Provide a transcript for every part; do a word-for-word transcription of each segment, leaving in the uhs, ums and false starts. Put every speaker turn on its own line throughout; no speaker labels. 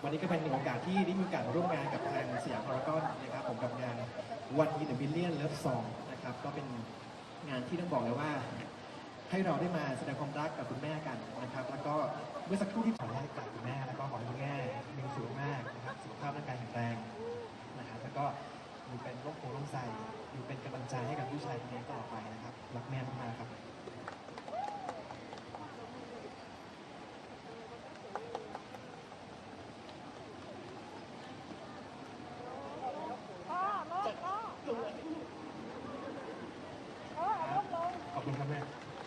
วันนี้ก็เป็นโอกาสที่ได้มีโอกาสร่วมงานกับทางสยามพารากอนนะครับผมกับงาน One in a Million Love Song นะครับก็เป็นงานที่ต้องบอกเลยว่าให้เราได้มาแสดงความรักกับคุณแม่กันนะครับแล้วก็เมื่อสักครู่ที่ขอให้กับคุณแม่แล้วก็ขอให้คุณแม่มีสุขภาพนะครับสุขภาพร่างกายแข็งแรงนะครับแล้วก็อยู่เป็นร่มโพล่มใสอยู่เป็นกำลังใจให้กับผู้ชายคนนี้ต่อไปนะครับรักแม่มากๆครับขอบคุณครับแม่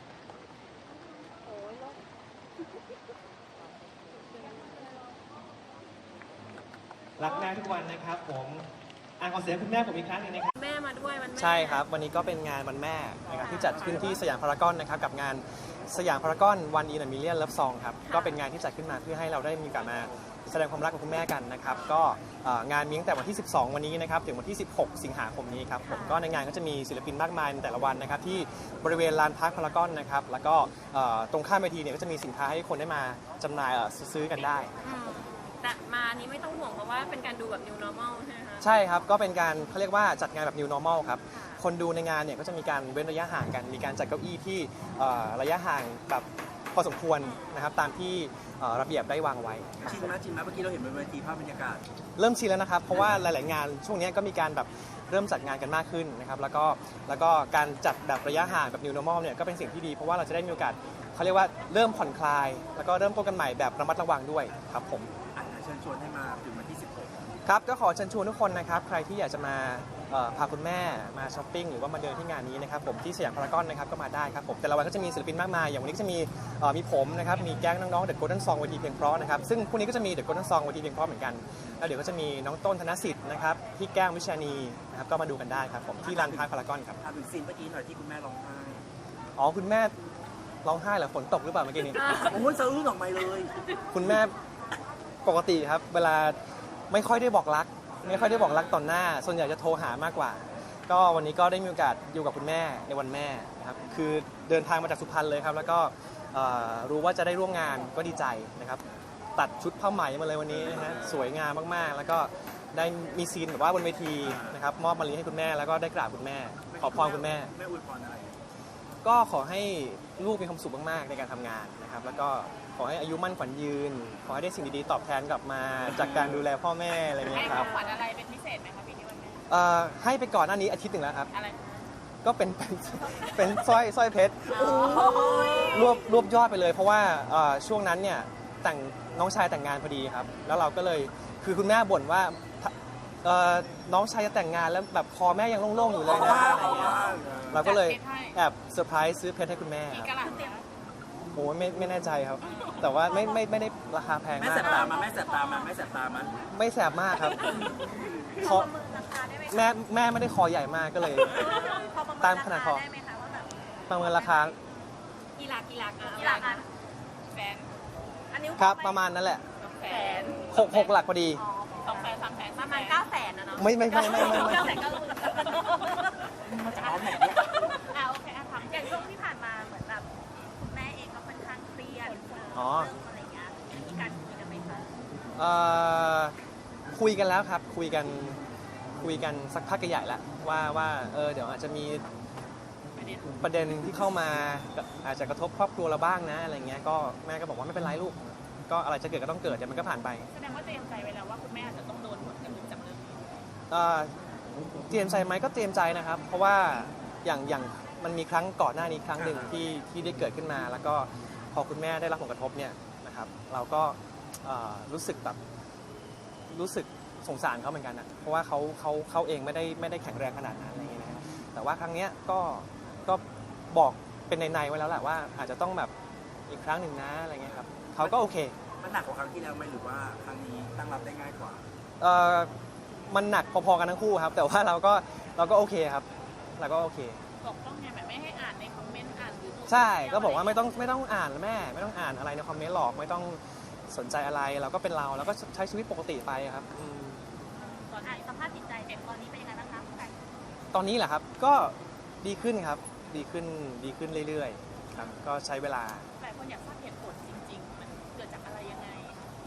รักแม่ทุกวันนะครับผมอ่ะขอเสียงคุณแม่ผมอีกครั้งหนึงนะครับ
แม่มาด้วยวันแม่
ใช่ครับวันนี้ก็เป็นงานวันแม่นะครับที่จัดขึ้นที่สยามพารากอนนะครับกับงานสยามพารากอน One in a Million Love Song ครับก็เป็นงานที่จัดขึ้นมาเพื่อให้เราได้มีโอกาสมาแสดงความรักกับคุณแม่กันนะครับก็งานมีตั้งแต่วันที่สิบสองวันนี้นะครับถึงวันที่สิบหกสิงหาคมนี้ครับผมก็ในงานก็จะมีศิลปินมากมายในแต่ละวันนะครับที่บริเวณลานพาร์คพารากอนนะครับแล้วก็ตรงข้ามเวทีเนี่ยก็จะมีสินค้าให้คนได้มาจำหน่ายซื้อกันได้
แต่มานี้ไม่ต้องห่วงเพราะว่าเป็นการดูแบบ new normal ใช่ไหมคะ
ใช่ครับก็เป็นการเขาเรียกว่าจัดงานแบบ new normal ครับคนดูในงานเนี่ยก็จะมีการเว้นระยะห่างกันมีการจัดเก้าอี้ที่ระยะห่างแบบพอสมควรนะครับตามที่ระเบียบได้วางไว้
ชินไหมชินไหมเมื่อกี้เราเห็นบนเวทีภาพบรรยากาศ
เริ่มชินแล้วนะครับเพราะว่าหลายๆงานช่วงนี้ก็มีการแบบเริ่มจัดงานกันมากขึ้นนะครับแล้วก็แล้วก็การจัดแบบระยะห่างแบบ new normal เนี่ยก็เป็นสิ่งที่ดีเพราะว่าเราจะได้มีโอกาสเขาเรียกว่าเริ่มผ่อนคลายแล้วก็เริ่มต้นกันใหม่แบบระมัดระวังด้วยครับผม
เชิญชวนให้มาถึงวันที่สิบหก
ครับก็ขอเชิญชวนทุกคนนะครับใครที่อยากจะมาพาคุณแม่มาช้อปปิ้งหรือว่ามาเดินที่งานนี้นะครับผมที่สยามพารากอนนะครับก็มาได้ครับผมแต่ละวันก็จะมีศิลปินมากมายอย่างวันนี้ก็จะมีมีผมนะครับมีแก๊งน้องๆเดอะโกลเด้นซองเวทีเพลงเพราะนะครับซึ่งพรุ่งนี้ก็จะมีเดอะโกลเด้นซองเวทีเพลงเพราะเหมือนกันแล้วเดี๋ยวก็จะมีน้องต้นธนสิทธิ์นะครับพี่แก้ววิชานีนะครับก็มาดูกันได้ครับผมที่ลานพาร์คพารากอนครับ
ถามถึงซีนเมื่อกี้หน่อยที่คุณแม่ร้องไห้
อ๋อคุณแม่ร้องไห้เหรอฝนตกหรือเปล่าเมื่อกี้นี้
โอ้ยสะอื้นออกมาเลย
คุณแม่ปกติครับเวลาไม่ค่อยได้บอกรักไม่ค่อยได้บอกรักต่อหน้าส่วนใหญ่จะโทรหามากกว่าก็วันนี้ก็ได้มีโอกาสอยู่กับคุณแม่ในวันแม่นะครับคือเดินทางมาจากสุพรรณเลยครับแล้วก็รู้ว่าจะได้ร่วมงานก็ดีใจนะครับตัดชุดผ้าไหมมาเลยวันนี้นะฮะสวยงามมากๆแล้วก็ได้มีซีนแบบว่าบนเวทีนะครับมอบมะลิให้คุณแม่แล้วก็ได้กราบคุณแม่ขอพรคุณแม่
แม่อวยพรอะไร
ก็ขอให้ลูกมีความสุขมากๆในการทำงานนะครับแล้วก็ขอให้อายุมั่นขวัญยืนขอให้ได้สิ่งดีๆตอบแทนกลับมาจากการดูแลพ่อแม่อะไรเงี้ยครับ
ให้ของขวัญอะไรเป็นพิเศษไหมคะปีนี้วันแม่
เอ่อให้ไปก่อนหน้านี้อาทิตย์หนึ่งแล้วครับ
อะไร
ก็เป็นเป็นเป็นสร้อยสร้อยเพชรรวบรวบยอดไปเลยเพราะว่าช่วงนั้นเนี่ยแต่งน้องชายแต่งงานพอดีครับแล้วเราก็เลยคือคุณแม่บ่นว่าน้องชายจะแต่งงานแล้วแบบคอแม่ยังโล่งๆอยู่เลยนะอะไรเงี้ยเราก็เลยแอบเซอร์ไพรส์ซื้อเพชรให้คุณแม่ครับโอ้ไม่ไม่แน่ใจครับแต่ว่าไม่ไม่ไม่ได้ราคาแพงมากไม่
แสบตามาไม่แสบตามาไม่แสบตามา
ไม่แสบมากครับคอแม่แม่ไม่ได้คอใหญ่มากก็เลยตามขนาดคอประเมินราคา
กี่หลักกี่หลักกี่หลักแสนอันนี้
ครับประมาณนั้นแหละ
แสน
หกหกหลักพอดี
สองแสนสามแสนประมาณเก้าแสนนะเนาะ
ไม่ไม่ไม่ไม่ไม่
เก้าแสนก็รู้
มาจากเอาแผง
อ่าโอเคอ่ะถามอย่างช่วงที่ผ่านมาเหมือนแบบคุณแม่เองก็ค่อนข้างเครียด
อ๋อ
อะไรเงี้ยมีการคุยกันไหมคะ
เอ่อคุยกันแล้วครับคุยกันคุยกันสักพักใหญ่แล้วว่าว่าเออเดี๋ยวอาจจะมีประเด็นที่เข้ามาอาจจะกระทบครอบครัวเราบ้างนะอะไรเงี้ยก็แม่ก็บอกว่าไม่เป็นไรลูกก็อะไรจะเกิดก็ต้องเกิดเดี๋ยวมันก็ผ่านไป
แสดงว่าเตรียมใจไว้แล้วว่าคุณแม่อาจจะต้องโดนผลกระทบจากเรื่องนี้
เตรียมใจไหมก็เตรียมใจนะครับเพราะว่าอย่างอย่างมันมีครั้งก่อนหน้านี้ครั้งหนึ่งที่ที่ได้เกิดขึ้นมาแล้วก็พอคุณแม่ได้รับผลกระทบเนี่ยนะครับเราก็รู้สึกแบบรู้สึกสงสารเขาเหมือนกันนะเพราะว่าเขาเขาเขาเองไม่ได้ไม่ได้แข็งแรงขนาดนั้นอะไรอย่างเงี้ยนะแต่ว่าครั้งเนี้ยก็ก็บอกเป็นในๆไว้แล้วแหละว่าอาจจะต้องแบบอีกครั้งหนึ่งนะอะไรเงี้ยครับเขาก็โอเค
มันหนักกว่าครั้งที่แล้วไหมหรือว่าครั้งนี้ตั้งรับได้ง่ายกว่า
เออมันหนักพอๆกันทั้งคู่ครับแต่ว่าเราก็เราก็โอเคครับเราก็โอเค
บอกต้องไงแบบไม่ให้อ่านในคอมเมนต์อ่านหรือ
ใช่ก็บอกว่าไม่ต้องไม่ต้องอ่านแม่ไม่ต้องอ่านอะไรในคอมเมนต์หรอกไม่ต้องสนใจอะไรเราก็เป็นเราแล้วก็ใช้ชีวิตปกติไปครับ
ตอนนี้สภาพจิตใจเด็กตอนนี้เป็นยังไงบ้างคะ
ตอนนี้แหละครับก็ดีขึ้นครับดีขึ้นดีขึ้นเรื่อยๆครับก็ใช้เวลา
แต่คนอยากทราบเหตุผลจริงๆมันเกิดจากอะไรยังไงที่มัน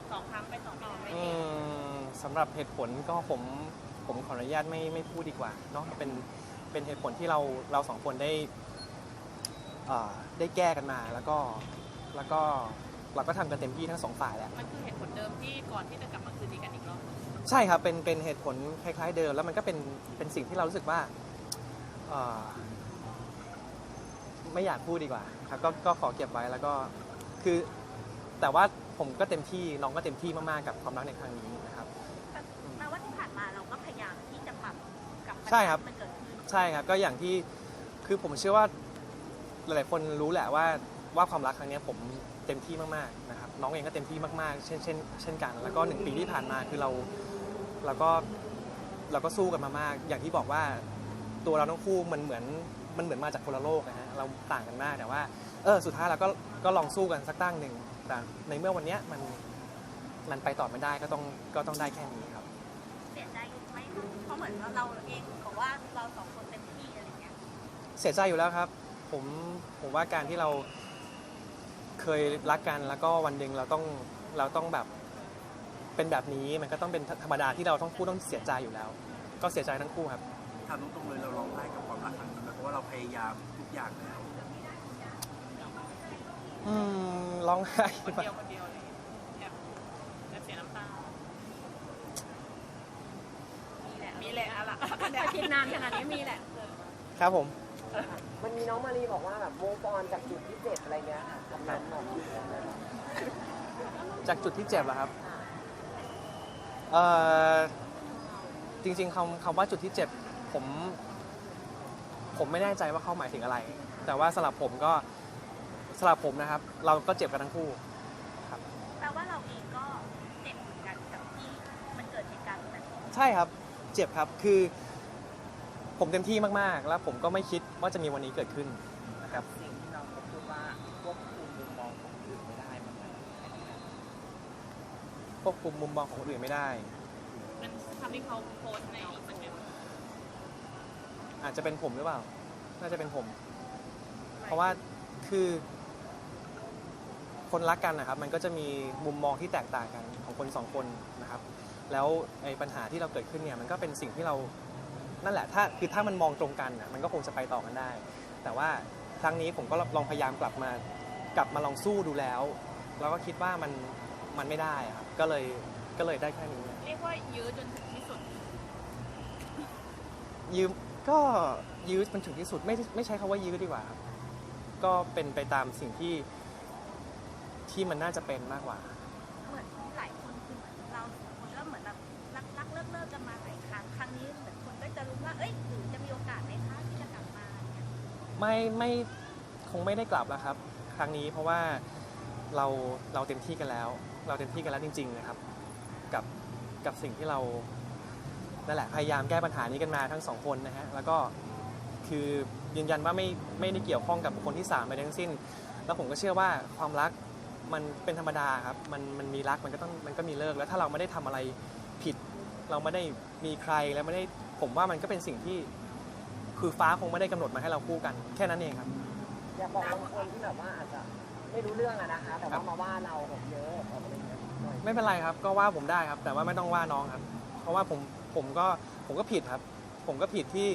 สองครั้งไปสองรอบไม่
อื
ดี
มสำหรับเหตุผลก็ผมผมขออนุญาตไม่ไม่พูดดีกว่าเนาะเป็นเป็นเหตุผลที่เราเราสองคนได้อ่าได้แก้กันมาแล้วก็แล้วก็เราก็ทำกันเต็มที่ทั้งสองฝ่ายแหละ
มันคือเหตุผลเดิมที่ก่อนที่จะกลับมาคืนดีกันอีกรอบ
ใช่ครับเป็นเป็นเหตุผลคล้ายๆเดิมแล้วมันก็เป็นเป็นสิ่งที่เรารู้สึกว่าเอ่อไม่อยากพูดดีกว่าครับก็ก็ขอเก็บไว้แล้วก็คือแต่ว่าผมก็เต็มที่น้องก็เต็มที่มากๆกับความรักในครั้งนี้นะครับ
แปลว่าที่ผ่านมาเราก็พยายามที่จะปรับกับปัญ
ใช่
หา
ครับ
ที่มันเกิดขึ้น
ใช่ครับก็อย่างที่คือผมเชื่อว่าหลายๆคนรู้แหละว่าว่าความรักครั้งนี้ผมเต็มที่มากๆนะครับน้องเองก็เต็มที่มากๆเช่นเช่นเช่นกัน แล้วก็หนึ่งปีที่ผ่านมาคือเราเราก็เราก็สู้กันมามาก อย่างที่บอกว่าตัวเราทั้งคู่มันเหมือนมันเหมือนมาจากคนละโลกนะฮะเราต่างกันมากแต่ว่าเออสุดท้ายเราก็ก็ลองสู้กันสักตั้งหนึ่งแต่ในเมื่อวันเนี้ยมันมันไปต่อไม่ได้ก็ต้องก็ต้องได้แค่นี้ครับ
เสียใจไหมเพราะเหมือนว่าเราเองบอกว่าเราสองคนเต็มที่อะไรเงี้ย
เสียใจอยู่แล้วครับผมผมว่าการที่เราเคยรักกันแล้วก็วันหนึ่งเราต้องเราต้องแบบเป็นแบบนี้มันก็ต้องเป็นธรรมดาที่เราต้องคู่ต้องเสียใจอยู่แล้ว ก็เสียใจทั้งคู่ครับ
ถามตรงๆเลยเราร้องไห้กับความรักครั้งนี้ไหมเพราะว่าเราพยายามทุกอย่างแล้ว
อืมร้องไห้
คนเดียวคนเดียวเลยแอบแอบเสียน้ำตา มีแหละ มีแหละอะล่ะแต่คิดนานขนาดนี้มีแหละ
ครับผม
มันมีน้องมารีบอกว่าแบบโมฟอนจากจุดที่เจ็บอะไรเงี้ยค่ะคำนั้นบอก
จากจุดที่เจ็บเหรอครับเอ่อจริงๆคำคำว่าจุดที่เจ็บผมผมไม่แน่ใจว่าเขาหมายถึงอะไร แต่ว่าสำหรับผมก็สำหรับผมนะครับ เราก็เจ็บกันทั้งคู่ครับ
แปลว่าเราเองก็เจ็บเหมือนกันกับที่มันเกิดเหตุการณ์แบบนี้
ใช่ครับเจ็บครับคือผมเต็มที่มากๆ แล้วผมก็ไม่คิดว่าจะมีวันนี้เกิดขึ้นนะครับ
สิ่งที่น้องเขาพูดว่าควบคุมมุมมองของคนอื่นไม่ได้มันมัน
ควบคุมมุมมองของคนอื่นไม่ได้
มันทำให้เขาโพสต์ในอินสตาแกรม
อาจจะเป็นผมหรือเปล่า น่าจะเป็นผม เพราะว่าคือคนรักกันนะครับ มันก็จะมีมุมมองที่แตกต่างกันของคนสองคนนะครับ แล้วไอ้ปัญหาที่เราเกิดขึ้นเนี่ยมันก็เป็นสิ่งที่เรา นั่นแหละ ถ้าคือถ้ามันมองตรงกันน่ะมันก็คงจะไปต่อกันได้ แต่ว่าครั้งนี้ผมก็ลองพยายามกลับมากลับมาลองสู้ดูแล้ว แล้วก็คิดว่ามันมันไม่ได้อะครับ ก็เลยก็เลยได้แค่นี้
เรียกว่ายื้อจนถึงที่สุด
ยืมก็ยื้อมันถึงที่สุดไม่ไม่ใช้คำว่ายื้อดีกว่าครับก็เป็นไปตามสิ่งที่ที่มันน่าจะเป็นมากกว่า
เหมือนหลายคนคือเหมือนเราสองคนก็เหมือนแบบรักรักเลิกเลิกกันมาหลายครั้งครั้งนี้เหมือนคนก็จะรู้ว่าเอ้ยหรือจะมีโอกาสไหมคะที่จะกลับมาเนี่ย
ไม่ไม่คงไม่ได้กลับแล้วครับ ครั้งนี้เพราะว่าเราเราเต็มที่กันแล้ว เราเต็มที่กันแล้วจริงๆนะครับ กับกับสิ่งที่เรานั่นแหละพยายามแก้ปัญหานี้กันมาทั้งสองคนนะฮะแล้วก็คือยืนยันว่าไม่ไม่ได้เกี่ยวข้องกับบุคคลที่สามใดทั้งสิ้น แล้วผมก็เชื่อว่าความรักมันเป็นธรรมดาครับมันมันมีรักมันก็ต้องมันก็มีเลิกแล้วถ้าเราไม่ได้ทำอะไรผิด เราไม่ได้มีใครแล้วไม่ได้ผมว่ามันก็เป็นสิ่งที่คือฟ้าคงไม่ได้กำหนดมาให้เราคู่กันแค่นั้นเองครับ
อย่าบอกบางคนที่แบบว่าอาจจะไม่รู้เรื่องอะนะคะ แต่ว่ามาว่าเราแบบเยอะอะไรเงี้ยหน่อย
ไม่เป็นไรครับก็ว่าผมได้ครับ แต่ว่าไม่ต้องว่าน้องครับ เพราะว่าผมผมก็ผมก็ผิดครับ ผมก็ผิดที่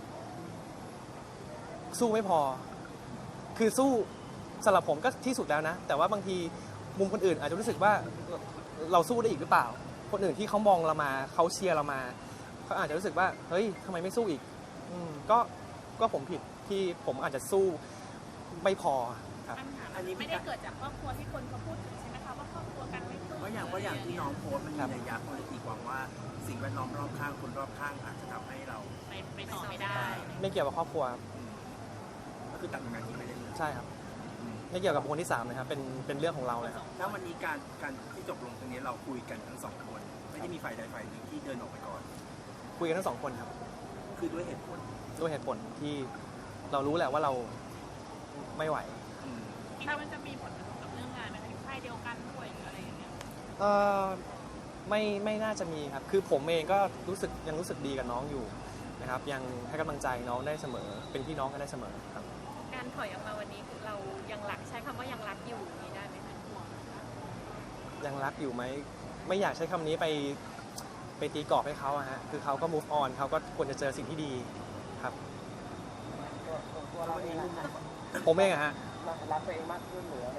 สู้ไม่พอ คือสู้สำหรับผมก็ที่สุดแล้วนะ แต่ว่าบางทีมุมคนอื่นอาจจะรู้สึกว่าเราสู้ได้อีกหรือเปล่า คนอื่นที่เขามองเรามาเขาเชียร์เรามาเขาอาจจะรู้สึกว่าเฮ้ยทำไมไม่สู้อีกอืมก็ก็ผมผิดที่ผมอาจจะสู้ไม่พอครับ
ปัญหามันไม่ได้เกิดจากครอบครัวที่คนเขาพูดถึงใช่ไหมคะว่าครอบครัวกันไม่ถูก
เพราะอย่างว่าอย่างที่น้องโพสต์มันมี
ครับ
นัยยะคนตีความว่าสิ่งแวดล้อมรอบข้างคนรอบข้างอาจจะทำให้เรา
ไปไปต่อไม่ได้
ไม่เกี่ยวกับครอบครัวครับ
อืมก็คือตัดงานที่ไม่ได้เลย
ใช่ครับ ไม่เกี่ยวกับบุคคลที่สามนะครับเป็นเป็นเรื่องของเราเลยครับ
แล้ววันนี้การการที่จบลงตรงนี้เราคุยกันทั้งสองคน ไม่ได้มีฝ่ายใดฝ่ายหนึ่งที่เดินออกไปก่อน
คุยกันทั้งสองคนครับ
คือด้วยเหตุผล
ด้วยเหตุผลที่เรารู้แหละว่าเราไม่ไหว
อืม
คิดว่ามันจะมีผลกระทบกับเรื่องงานไหมคะอยู่ค่ายเดียวกันด้วยหรืออะไรอย่างเงี้ย
เออไม่ไม่น่าจะมีครับ คือผมเองก็รู้สึกยังรู้สึกดีกับน้องอยู่นะครับยังให้กำลังใจน้องได้เสมอ เป็นพี่น้องกันได้เสมอครับ
การถอยออกมาวันนี้คือเรายังรักใช้คำว่ายังรักอยู่อย่างนี้ได้ไหมคะห่วง
อยังรักอยู่ไหมไม่อยากใช้คำนี้ไปไปตีกรอบให้เขาอะฮะคือเขาก็ move on เขาก็ควรจะเจอสิ่งที่ดีครับ
ตัวตัวตัวเราเองนะคะ
ผมเองอะฮะ
รักตัวเองมากขึ้นหรืออะไร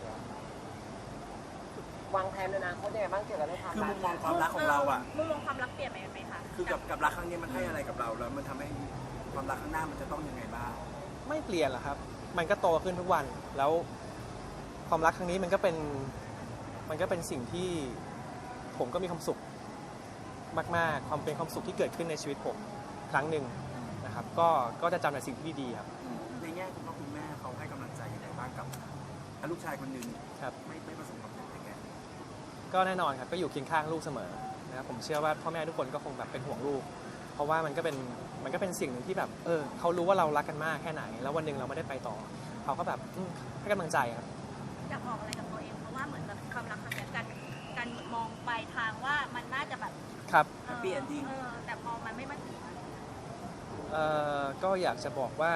วางแผนในอนาคตยังไงบ้างเกี่ยวกับเรื่องความ
คือ
รั
มุ
ก
มมองความรักของเราอ่ะ
มุมมองความรักเปลี่ยนไปไหมคะ
คือกับกับรักครั้งนี้มันให้อะไรกับเราแล้วมันทำให้ความรักข้างหน้ามันจะต้องยังไงบ้าง
ไม่เปลี่ยนหรอกครับ มันก็โตขึ้นทุกวัน แล้วความรักครั้งนี้มันก็เป็น มันก็เป็นสิ่งที่ผมก็มีความสุขมากๆ ความเป็นความสุขที่เกิดขึ้นในชีวิตผมครั้งหนึ่งนะครับ ก็ ก็จะจำแต่สิ่งที่ดีๆครับ
ในแง่คุณพ่อคุณแม่เขาให้กำลังใจยังไงบ้างกับลูกชายคนหนึ่ง
ครับ
ไม่ไม่ประสบความสำเร็จยังไง
ก็แน่นอนครับ ก็อยู่เคียงข้างลูกเสมอนะครับ ผมเชื่อว่าพ่อแม่ทุกคนก็คงแบบเป็นห่วงลูก เพราะว่ามันก็เป็น มันก็เป็นสิ่งหนึ่งที่แบบ เออเขารู้ว่าเรารักกันมากแค่ไหน แล้ววันหนึ่งเราไม่ได้ไปต่อ เขาก็แบบอืมให้กำลังใจครับ
อยากบอกอะไรกับตัวเองเพราะว่าเหมือนแบบความรักครั้งนี้การการมองไปทางว่ามันน่าจะแบบ
ครับ
เออ
Happy ending
เออแต่พอมันไม่มาถึงอะ
เอ่อก็อยากจะบอกว่า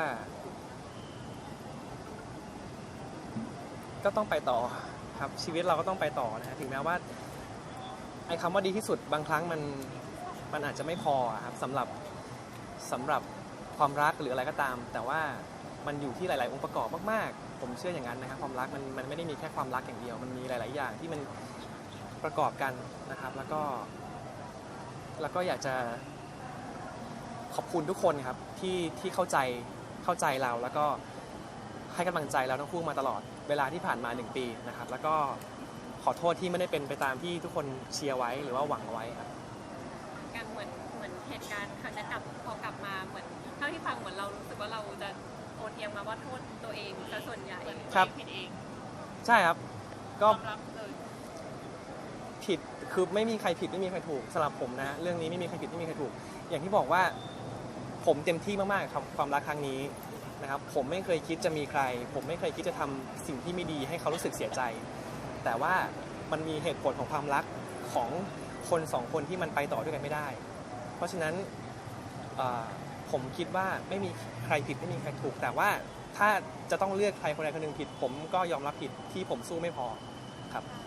ก็ต้องไปต่อครับชีวิตเราก็ต้องไปต่อนะฮะถึงแม้ว่าไอ้คำว่าดีที่สุดบางครั้งมันมันอาจจะไม่พออะครับสำหรับสำหรับความรักหรืออะไรก็ตาม แต่ว่ามันอยู่ที่หลาย ๆ องค์ประกอบมากๆผมเชื่ออย่างนั้นนะครับความรักมันมันไม่ได้มีแค่ความรักอย่างเดียว มันมีหลาย ๆ อย่างที่มันประกอบกันนะครับ แล้วก็แล้วก็อยากจะ ขอบคุณทุกคนครับที่ที่เข้าใจเข้าใจเราแล้วก็ให้กำลังใจเราทั้งคู่มาตลอดเวลาที่ผ่านมาหนึ่งปีนะครับแล้วก็ขอโทษที่ไม่ได้เป็นไปตามที่ทุกคนเชียร์ไว้หรือว่าหวังเอาไว้ครับ
การเหมือนเหมือนเหตุการณ์ครั้งนี้กลับพอกลับมาเหมือนเท่าที่ฟังเหมือนเรารู้สึกว่าเราจะโอนเอียงมาว่าโทษตัวเองซะส่วนใหญ่
ครับ
ผิดเอง
ใช่ครับก็
ยอมรับเลย
ผิดคือไม่มีใครผิดไม่มีใครถูกสำหรับผมนะเรื่องนี้ไม่มีใครผิดไม่มีใครถูก อย่างที่บอกว่าผมเต็มที่มากๆครับความรักครั้งนี้นะครับผมไม่เคยคิดจะมีใคร ผมไม่เคยคิดจะทำสิ่งที่ไม่ดีให้เขารู้สึกเสียใจ แต่ว่ามันมีเหตุผลของความรักของคนสองคนที่มันไปต่อด้วยกันไม่ได้ เพราะฉะนั้นเอ่อผมคิดว่าไม่มีใครผิดไม่มีใครถูก แต่ว่าถ้าจะต้องเลือกใครคนใดคนหนึ่งผิด ผมก็ยอมรับผิดที่ผมสู้ไม่พอครับ
อ่า